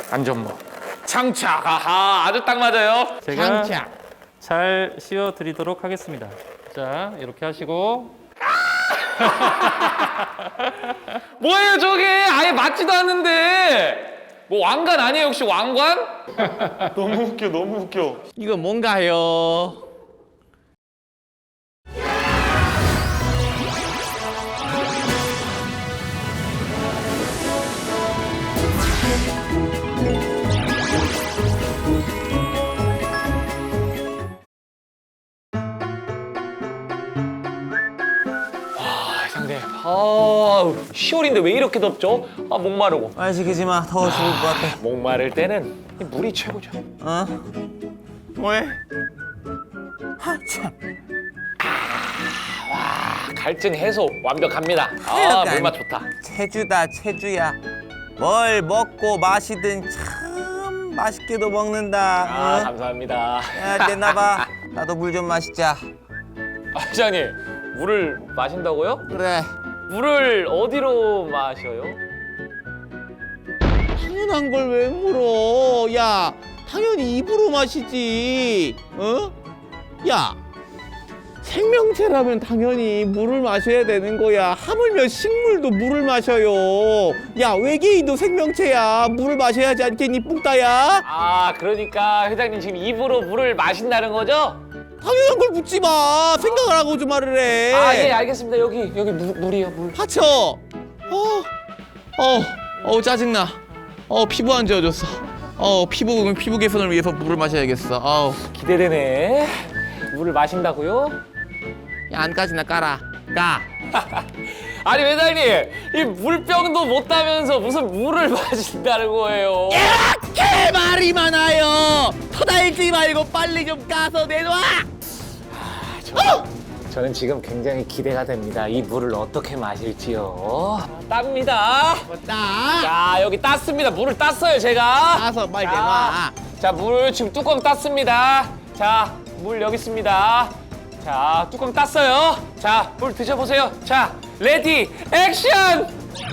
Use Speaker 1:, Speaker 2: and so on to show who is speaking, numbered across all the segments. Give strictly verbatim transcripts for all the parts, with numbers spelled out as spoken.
Speaker 1: 안전모. 장착. 아하, 아주 딱 맞아요.
Speaker 2: 제가
Speaker 3: 장착.
Speaker 2: 잘 씌워드리도록 하겠습니다. 자, 이렇게 하시고.
Speaker 1: 뭐예요 저게? 아예 맞지도 않는데. 뭐 왕관 아니에요 혹시 왕관? 너무 웃겨 너무 웃겨.
Speaker 3: 이거 뭔가요?
Speaker 1: 아 상대. 아 시월인데 왜 이렇게 덥죠? 아 목마르고.
Speaker 3: 말 시키지 마. 더워 죽을 것 같아.
Speaker 1: 목마를 때는 이 물이 최고죠.
Speaker 3: 어? 왜? 하 참.
Speaker 1: 아, 갈증 해소 완벽합니다. 아
Speaker 3: 하여간
Speaker 1: 물맛 좋다.
Speaker 3: 체주다 체주야. 뭘 먹고 마시든 참 맛있게도 먹는다.
Speaker 1: 아
Speaker 3: 응?
Speaker 1: 감사합니다.
Speaker 3: 야 됐나봐. 나도 물 좀 마시자.
Speaker 1: 아 회장님 물을 마신다고요?
Speaker 3: 그래.
Speaker 1: 물을 어디로 마셔요?
Speaker 3: 당연한 걸 왜 물어? 야, 당연히 입으로 마시지. 어? 야, 생명체라면 당연히 물을 마셔야 되는 거야. 하물며 식물도 물을 마셔요. 야, 외계인도 생명체야. 물을 마셔야지 않겠니, 뿡따야?
Speaker 1: 아 그러니까 회장님 지금 입으로 물을 마신다는 거죠?
Speaker 3: 당연한 걸 묻지 마. 생각을 하고 좀 말을 해.
Speaker 1: 아 예 알겠습니다. 여기 여기 물, 물이요 물.
Speaker 3: 하쳐. 어, 어, 어 짜증나. 어 피부 안 좋아졌어. 어 피부 피부 개선을 위해서 물을 마셔야겠어. 어우.
Speaker 1: 기대되네. 물을 마신다고요?
Speaker 3: 야, 안까지나 깔아. 까.
Speaker 1: 아니 회장님 이 물병도 못 따면서 무슨 물을 마신다는 거예요?
Speaker 3: 이렇게 말이 많아요. 터달지 말고 빨리 좀 까서 내놔.
Speaker 1: 저, 저는 지금 굉장히 기대가 됩니다. 이 물을 어떻게 마실지요. 땁니다.
Speaker 3: 따.
Speaker 1: 자 여기 땄습니다. 물을 땄어요 제가.
Speaker 3: 따서 빨리
Speaker 1: 자,
Speaker 3: 내놔.
Speaker 1: 자, 물 지금 뚜껑 땄습니다. 자, 물 여기 있습니다. 자, 뚜껑 땄어요. 자, 물 드셔보세요. 자, 레디, 액션!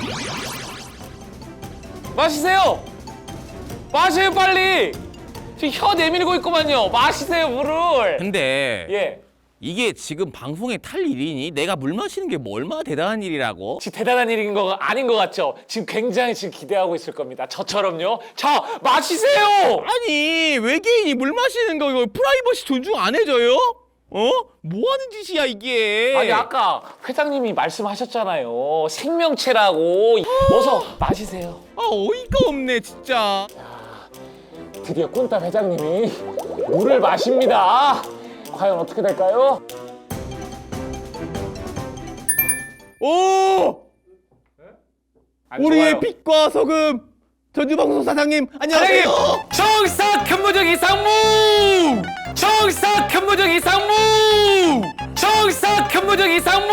Speaker 1: 마시세요. 마세요, 빨리. 지금 혀 내밀고 있구만요. 마시세요, 물을.
Speaker 3: 근데
Speaker 1: 예.
Speaker 3: 이게 지금 방송에 탈 일이니? 내가 물 마시는 게 뭐 얼마나 대단한 일이라고?
Speaker 1: 지금 대단한 일인 거 아닌 것 같죠? 지금 굉장히 지금 기대하고 있을 겁니다. 저처럼요. 자, 마시세요.
Speaker 3: 아니 외계인이 물 마시는 거 이거 프라이버시 존중 안 해줘요? 어? 뭐 하는 짓이야 이게?
Speaker 1: 아니 아까 회장님이 말씀하셨잖아요. 생명체라고. 어서 마시세요.
Speaker 3: 아 어이가 없네 진짜.
Speaker 1: 드디어 꾼따 회장님이 물을 마십니다. 과연 어떻게 될까요?
Speaker 3: 오!
Speaker 1: 안
Speaker 3: 우리의
Speaker 1: 좋아요.
Speaker 3: 빛과 소금 전주방송 사장님 안녕하세요.
Speaker 1: 정석 현무적 이상무! 정석 현무적 이상무! 정석 현무적 이상무!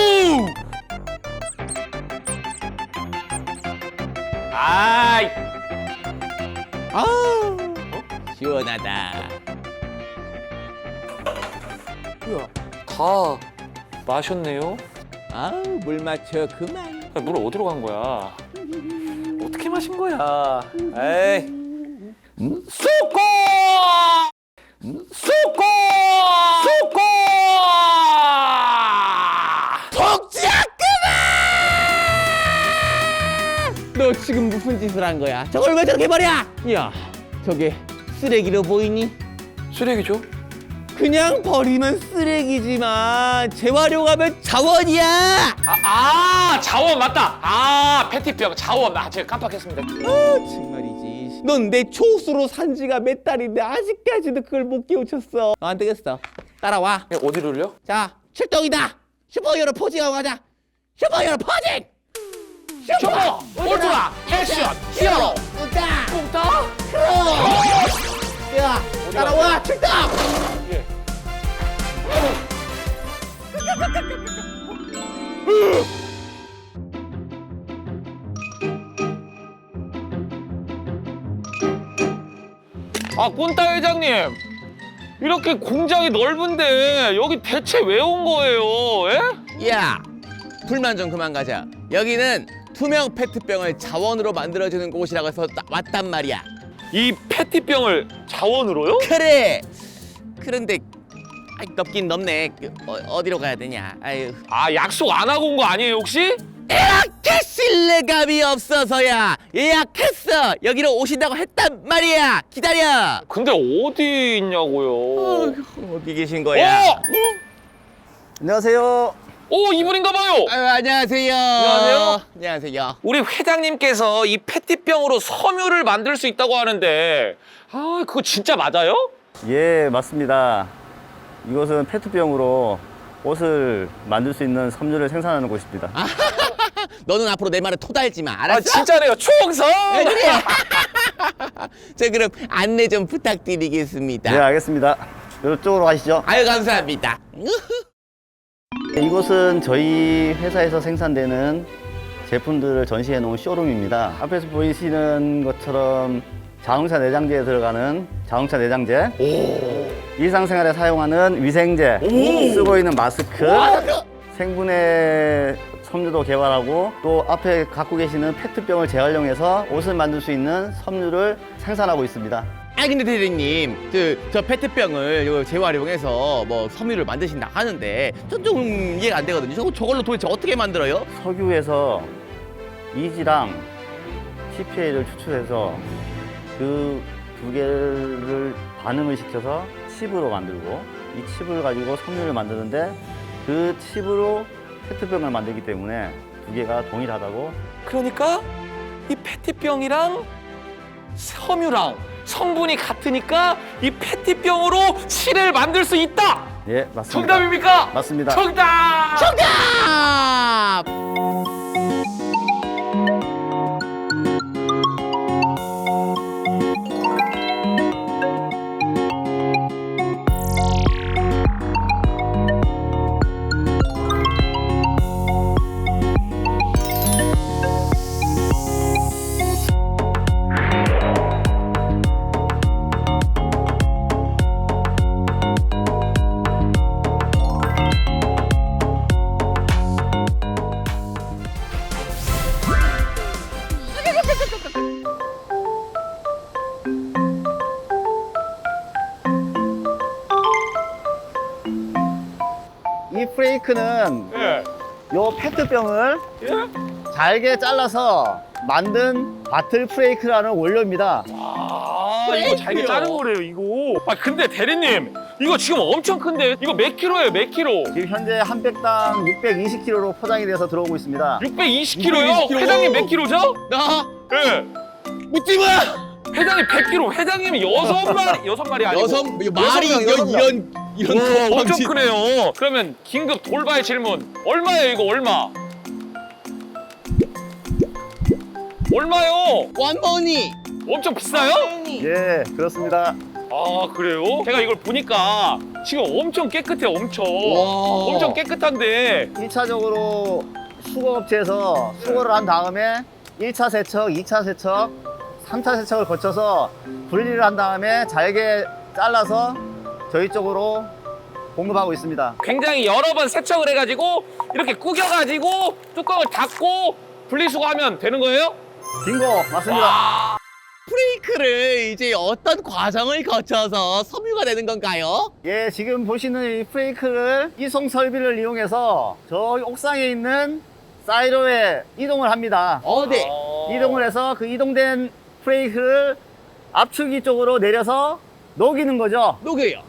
Speaker 1: 아이,
Speaker 3: 아 시원하다. 뭐야?
Speaker 1: 다 마셨네요.
Speaker 3: 아물 마셔 그만.
Speaker 1: 야, 물 어디로 간 거야? 어떻게 마신 거야? 에이. 수고! 수고! 수고!
Speaker 3: 복지야 그만! 너 지금 무슨 짓을 한 거야? 저걸 왜 저렇게 버려? 야, 저게 쓰레기로 보이니?
Speaker 1: 쓰레기죠?
Speaker 3: 그냥 버리면 쓰레기지만 재활용하면 자원이야.
Speaker 1: 아, 아 자원 맞다. 아 페티병 자원. 아 제가 깜빡했습니다.
Speaker 3: 아 정말이지. 넌 내 초수로 산 지가 몇 달인데 아직까지도 그걸 못 깨우쳤어. 어, 안 되겠어. 따라와.
Speaker 1: 네, 어디로요?
Speaker 3: 자, 출동이다. 슈퍼히어로 포징하고 가자. 슈퍼히어로 포징.
Speaker 1: 슈퍼 울트라 액션 히어로
Speaker 3: 우다.
Speaker 1: 뿡따.
Speaker 3: 야, 따라와. 출동.
Speaker 1: 예. 아 꼰따 회장님 이렇게 공장이 넓은데 여기 대체 왜 온 거예요? 예?
Speaker 3: 야, 불만 좀 그만 가자. 여기는 투명 페트병을 자원으로 만들어주는 곳이라고 해서 나- 왔단 말이야.
Speaker 1: 이 페트병을 자원으로요?
Speaker 3: 그래. 그런데 아이, 넘긴 넘네. 그, 어, 어디로 가야 되냐? 아유.
Speaker 1: 아, 약속 안 하고 온 거 아니에요 혹시?
Speaker 3: 예약해 신뢰감이 없어서야. 예약했어. 여기로 오신다고 했단 말이야. 기다려.
Speaker 1: 근데 어디 있냐고요?
Speaker 3: 어, 어디 계신 거야?
Speaker 1: 어!
Speaker 4: 안녕하세요.
Speaker 1: 오, 이분인가 봐요.
Speaker 3: 아유, 안녕하세요.
Speaker 1: 안녕하세요.
Speaker 3: 안녕하세요.
Speaker 1: 우리 회장님께서 이 페트병으로 섬유를 만들 수 있다고 하는데, 아, 그거 진짜 맞아요?
Speaker 4: 예, 맞습니다. 이곳은 페트병으로 옷을 만들 수 있는 섬유를 생산하는 곳입니다.
Speaker 3: 너는 앞으로 내 말에 토달지 마.
Speaker 1: 아,
Speaker 3: 알았어?
Speaker 1: 진짜네요. 총성!
Speaker 3: 네, 그래. 자, 그럼 안내 좀 부탁드리겠습니다.
Speaker 4: 네, 알겠습니다. 이쪽으로 가시죠.
Speaker 3: 아유, 감사합니다.
Speaker 4: 이곳은 저희 회사에서 생산되는 제품들을 전시해 놓은 쇼룸입니다. 앞에서 보이시는 것처럼 자동차 내장재에 들어가는 자동차 내장재, 일상생활에 사용하는 위생제, 쓰고 있는 마스크, 생분해 섬유도 개발하고 또 앞에 갖고 계시는 페트병을 재활용해서 옷을 만들 수 있는 섬유를 생산하고 있습니다.
Speaker 3: 아니 근데 대리님, 그, 저 페트병을 요 재활용해서 뭐 섬유를 만드신다 하는데 전 좀 이해가 안 되거든요. 저, 저걸로 도대체 어떻게 만들어요?
Speaker 4: 석유에서 이지랑 티피에이를 추출해서 그 두 개를 반응을 시켜서 칩으로 만들고 이 칩을 가지고 섬유를 만드는데 그 칩으로 페트병을 만들기 때문에 두 개가 동일하다고.
Speaker 1: 그러니까 이 페트병이랑 섬유랑 성분이 같으니까 이 페트병으로 실을 만들 수 있다!
Speaker 4: 예, 맞습니다.
Speaker 1: 정답입니까?
Speaker 4: 맞습니다.
Speaker 1: 정답!
Speaker 3: 정답!
Speaker 4: 이 프레이크는
Speaker 1: 예.
Speaker 4: 요 페트병을
Speaker 1: 예?
Speaker 4: 잘게 잘라서 만든 바틀 프레이크라는 원료입니다.
Speaker 1: 아, 이거 잘게 자른 거래요, 이거. 아, 근데 대리님, 이거 지금 엄청 큰데? 이거 몇 킬로예요, 몇 킬로?
Speaker 4: 지금 현재 한 백당 육백이십 킬로그램로 포장이 돼서 들어오고 있습니다.
Speaker 1: 육백이십 킬로요?
Speaker 3: 육백이십 킬로.
Speaker 1: 회장님 몇 킬로죠?
Speaker 3: 나
Speaker 1: 예.
Speaker 3: 묻지 마!
Speaker 1: 회장님 백 킬로, 회장님이 여섯 마리, 여섯 마리 아니고.
Speaker 3: 여섯, 말이
Speaker 1: 여섯
Speaker 3: 이런,
Speaker 1: 명.
Speaker 3: 이런, 이런
Speaker 1: 와, 엄청
Speaker 3: 건방진-
Speaker 1: 크네요. 그러면 긴급 돌발 질문. 얼마예요, 이거 얼마? 얼마요?
Speaker 3: 원머니!
Speaker 1: 엄청 비싸요?
Speaker 4: 예, 그렇습니다.
Speaker 1: 아, 그래요? 제가 이걸 보니까 지금 엄청 깨끗해요, 엄청.
Speaker 3: 와.
Speaker 1: 엄청 깨끗한데.
Speaker 4: 일 차적으로 수거업체에서 수거를 한 다음에 일 차 세척, 이 차 세척, 삼 차 세척을 거쳐서 분리를 한 다음에 잘게 잘라서 저희 쪽으로 공급하고 있습니다.
Speaker 1: 굉장히 여러 번 세척을 해가지고 이렇게 구겨가지고 뚜껑을 닫고 분리수거하면 되는 거예요?
Speaker 4: 빙고, 맞습니다.
Speaker 3: 프레이크를 이제 어떤 과정을 거쳐서 섬유가 되는 건가요?
Speaker 4: 예, 지금 보시는 이 프레이크를 이송 설비를 이용해서 저 옥상에 있는 사이로에 이동을 합니다.
Speaker 3: 어디?
Speaker 1: 어.
Speaker 4: 이동을 해서 그 이동된 프레이크를 압축기 쪽으로 내려서 녹이는 거죠.
Speaker 3: 녹여요.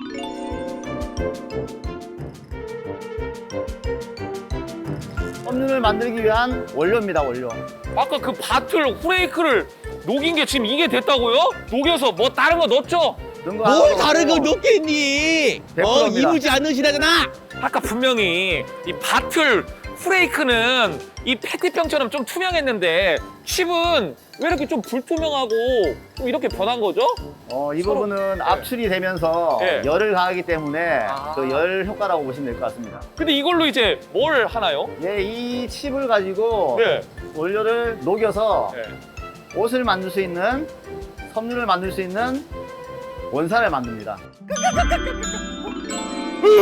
Speaker 4: 섬유를 만들기 위한 원료입니다, 원료.
Speaker 1: 아까 그 바틀 후레이크를 녹인 게 지금 이게 됐다고요? 녹여서 뭐 다른 거 넣었죠?
Speaker 4: 넣은 거
Speaker 3: 뭘
Speaker 4: 하나도
Speaker 3: 다른 걸
Speaker 4: 없고.
Speaker 3: 넣겠니?
Speaker 4: 백
Speaker 3: 어,
Speaker 4: 퍼센트입니다.
Speaker 3: 이루지 않으시다잖아!
Speaker 1: 아까 분명히 이 바틀 후레이크는 이 페트병처럼 좀 투명했는데 칩은 왜 이렇게 좀 불투명하고 좀 이렇게 변한 거죠?
Speaker 4: 어, 이
Speaker 1: 서로-
Speaker 4: 부분은
Speaker 1: 네.
Speaker 4: 압출이 되면서
Speaker 1: 네.
Speaker 4: 열을 가하기 때문에
Speaker 1: 아.
Speaker 4: 그 열 효과라고 보시면 될 것 같습니다.
Speaker 1: 근데 이걸로 이제 뭘 하나요?
Speaker 4: 예, 이 칩을 가지고
Speaker 1: 네.
Speaker 4: 원료를 녹여서
Speaker 1: 네.
Speaker 4: 옷을 만들 수 있는, 섬유를 만들 수 있는 원사를 만듭니다.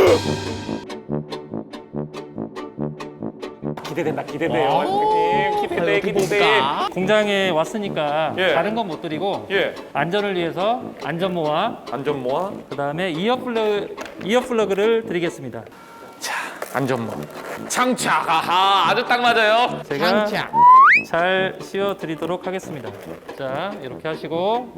Speaker 1: 기대된다, 기대돼요, 선생님. 기대. 기대
Speaker 3: 어떻게
Speaker 1: 기대.
Speaker 3: 볼까?
Speaker 2: 공장에 왔으니까
Speaker 1: 예.
Speaker 2: 다른 건 못 드리고
Speaker 1: 예.
Speaker 2: 안전을 위해서 안전모와
Speaker 1: 안전모와
Speaker 2: 그다음에 이어 플러그 이어 플러그를 드리겠습니다.
Speaker 1: 안전모. 장착. 아하, 아주 딱 맞아요.
Speaker 2: 제가
Speaker 3: 장착.
Speaker 2: 잘 씌워 드리도록 하겠습니다. 자, 이렇게 하시고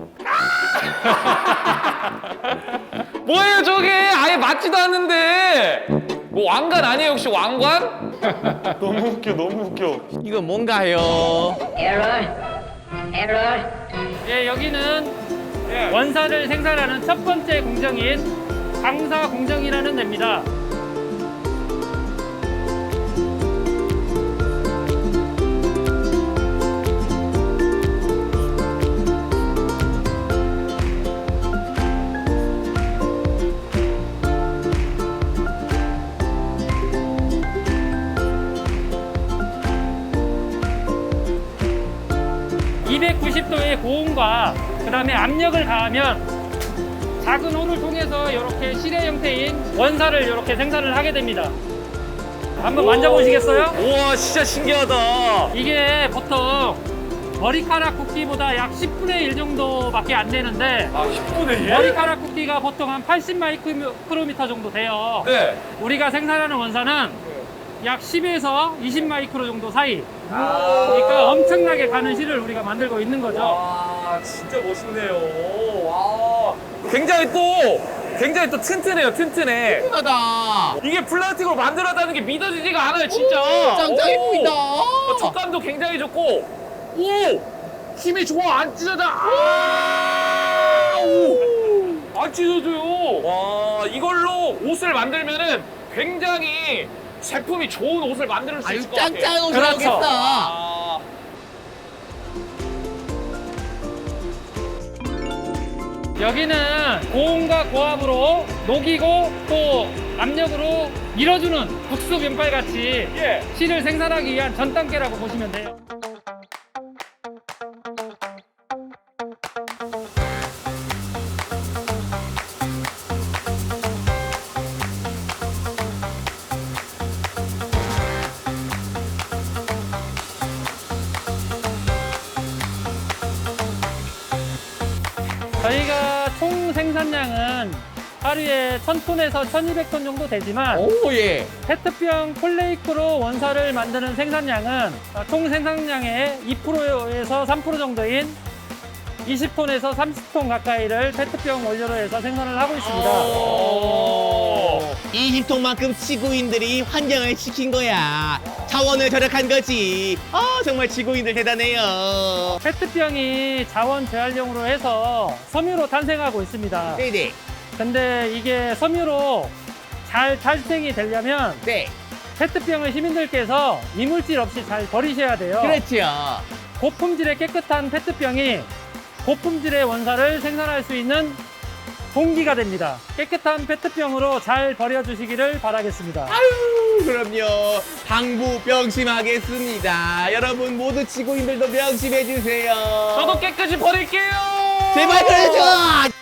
Speaker 1: 뭐예요 저게? 아예 맞지도 않는데. 뭐 왕관 아니에요 혹시 왕관? 너무 웃겨 너무 웃겨.
Speaker 3: 이거 뭔가요?
Speaker 5: Error. Error.
Speaker 2: 예, 여기는 원사를 생산하는 첫 번째 공정인 강사 공정이라는 데입니다. 이백구십 도의 고온과 그 다음에 압력을 가하면 작은 홀을 통해서 이렇게 실의 형태인 원사를 이렇게 생산을 하게 됩니다. 한번 만져보시겠어요?
Speaker 1: 우와 진짜 신기하다.
Speaker 2: 이게 보통 머리카락 굵기보다 약 십분의 일 정도밖에 안 되는데
Speaker 1: 아 십분의 일?
Speaker 2: 머리카락 굵기가 보통 한 팔십 마이크로미터 정도 돼요.
Speaker 1: 네.
Speaker 2: 우리가 생산하는 원사는 약 십에서 이십 마이크로 정도 사이. 그러니까 엄청나게 가는 실을 우리가 만들고 있는 거죠.
Speaker 1: 와 진짜 멋있네요. 와. 굉장히 또 굉장히 또 튼튼해요 튼튼해.
Speaker 3: 하다.
Speaker 1: 이게 플라스틱으로 만들었다는 게 믿어지지가 않아요 진짜.
Speaker 3: 짱짱해
Speaker 1: 오.
Speaker 3: 보인다.
Speaker 1: 어, 촉감도 굉장히 좋고. 오 힘이 좋아 안 찢어져. 아! 오. 안 찢어져요. 와 이걸로 옷을 만들면은 굉장히 제품이 좋은 옷을 만들 수
Speaker 3: 아유
Speaker 1: 있을 것 같아요.
Speaker 3: 짱짱한 옷이
Speaker 2: 그렇죠.
Speaker 3: 나오겠다.
Speaker 1: 아.
Speaker 2: 여기는 고온과 고압으로 녹이고 또 압력으로 밀어주는 국수 면발 같이
Speaker 1: 예.
Speaker 2: 실을 생산하기 위한 전 단계라고 보시면 돼요. 저희가 총 생산량은 하루에 천 톤에서 천이백 톤 정도 되지만
Speaker 3: 오 예.
Speaker 2: 페트병 폴레이크로 원사를 만드는 생산량은 총 생산량의 이 퍼센트에서 삼 퍼센트 정도인 이십 톤에서 삼십 톤 가까이를 페트병 원료로 해서 생산을 하고 있습니다.
Speaker 1: 오.
Speaker 3: 이십 톤만큼 지구인들이 환경을 지킨 거야. 자원을 절약한 거지. 아 정말 지구인들 대단해요.
Speaker 2: 페트병이 자원 재활용으로 해서 섬유로 탄생하고 있습니다.
Speaker 3: 네네.
Speaker 2: 근데 이게 섬유로 잘 탄생이 되려면
Speaker 3: 네.
Speaker 2: 페트병을 시민들께서 이물질 없이 잘 버리셔야 돼요.
Speaker 3: 그렇죠.
Speaker 2: 고품질의 깨끗한 페트병이 고품질의 원사를 생산할 수 있는 동기가 됩니다. 깨끗한 페트병으로 잘 버려주시기를 바라겠습니다.
Speaker 3: 아유 그럼요. 방부 명심하겠습니다. 여러분 모두 지구인들도 명심해 주세요.
Speaker 1: 저도 깨끗이 버릴게요.
Speaker 3: 제발 그래줘.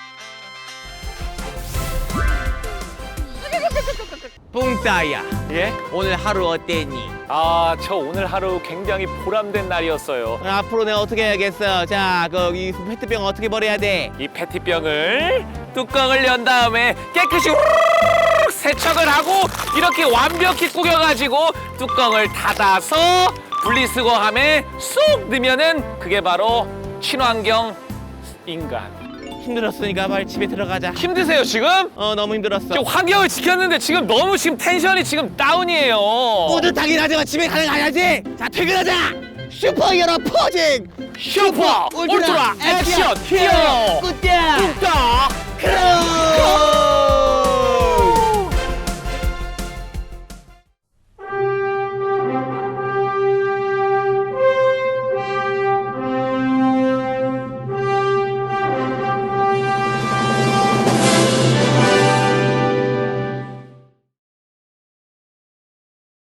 Speaker 3: 뿡따야
Speaker 1: 예?
Speaker 3: 오늘 하루 어땠니?
Speaker 1: 아, 저 오늘 하루 굉장히 보람된 날이었어요.
Speaker 3: 앞으로 내가 어떻게 해야겠어? 자, 그 이 페트병 어떻게 버려야 돼?
Speaker 1: 이 페트병을 뚜껑을 연 다음에 깨끗이 후루룩 세척을 하고 이렇게 완벽히 구겨가지고 뚜껑을 닫아서 분리수거함에 쏙 넣으면은 그게 바로 친환경 인간.
Speaker 3: 힘들었으니까 빨리 집에 들어가자.
Speaker 1: 힘드세요 지금?
Speaker 3: 어 너무 힘들었어.
Speaker 1: 지금 환경을 지켰는데 지금 너무 지금 텐션이 지금 다운이에요.
Speaker 3: 뿌듯하긴 하지만 집에 가는 가야지. 자 퇴근하자. 슈퍼히어로 포징.
Speaker 1: 슈퍼 울트라 액션 히어로
Speaker 3: 굿야.
Speaker 1: 뚝딱
Speaker 3: 크로.